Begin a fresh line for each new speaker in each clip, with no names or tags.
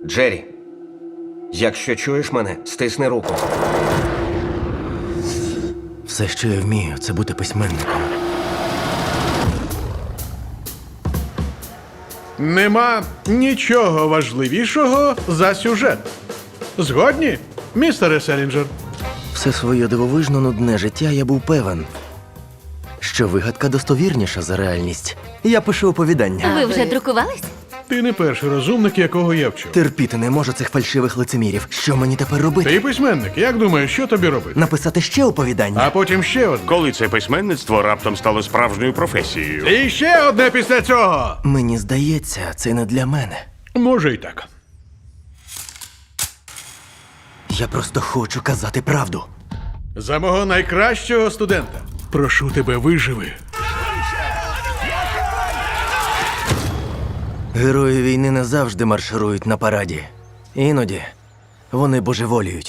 Джері, якщо чуєш мене, стисни руку.
Все, що я вмію, це бути письменником.
Нема нічого важливішого за сюжет. Згодні, містере Селінджер?
Все своє дивовижно нудне життя я був певен, що вигадка достовірніша за реальність. Я пишу оповідання.
Ви вже друкувались?
Ти не перший розумник, якого я вчу.
Терпіти не можу цих фальшивих лицемірів. Що мені тепер робити?
Ти письменник, як думаєш, що тобі робити?
Написати ще оповідання?
А потім ще одне.
Коли це письменництво раптом стало справжньою професією.
І ще одне після цього.
Мені здається, це не для мене.
Може й так.
Я просто хочу казати правду.
За мого найкращого студента. Прошу тебе, виживи.
Герої війни не завжди марширують на параді. Іноді вони божеволіють.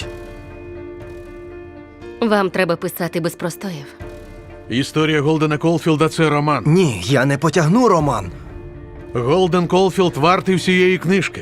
Вам треба писати без простоїв.
Історія Голдена Колфілда – це роман.
Ні, я не потягну роман.
Голден Колфілд вартий всієї книжки.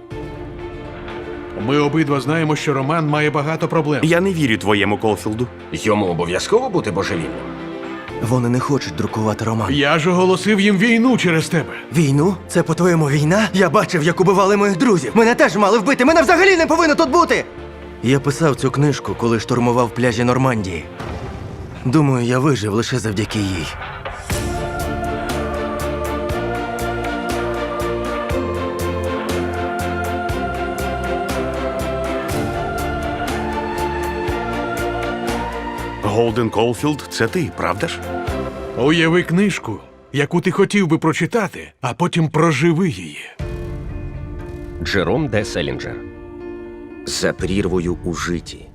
Ми обидва знаємо, що роман має багато проблем.
Я не вірю твоєму Колфілду.
Йому обов'язково бути божевільним?
Вони не хочуть друкувати роман.
Я ж оголосив їм війну через тебе.
Війну? Це, по-твоєму, війна? Я бачив, як убивали моїх друзів. Мене теж мали вбити. Мене взагалі не повинно тут бути. Я писав цю книжку, коли штурмував пляжі Нормандії. Думаю, я вижив лише завдяки їй.
Голден Колфілд – це ти, правда ж?
Уяви книжку, яку ти хотів би прочитати, а потім проживи її.
Джером Д. Селінджер. За прірвою у житті.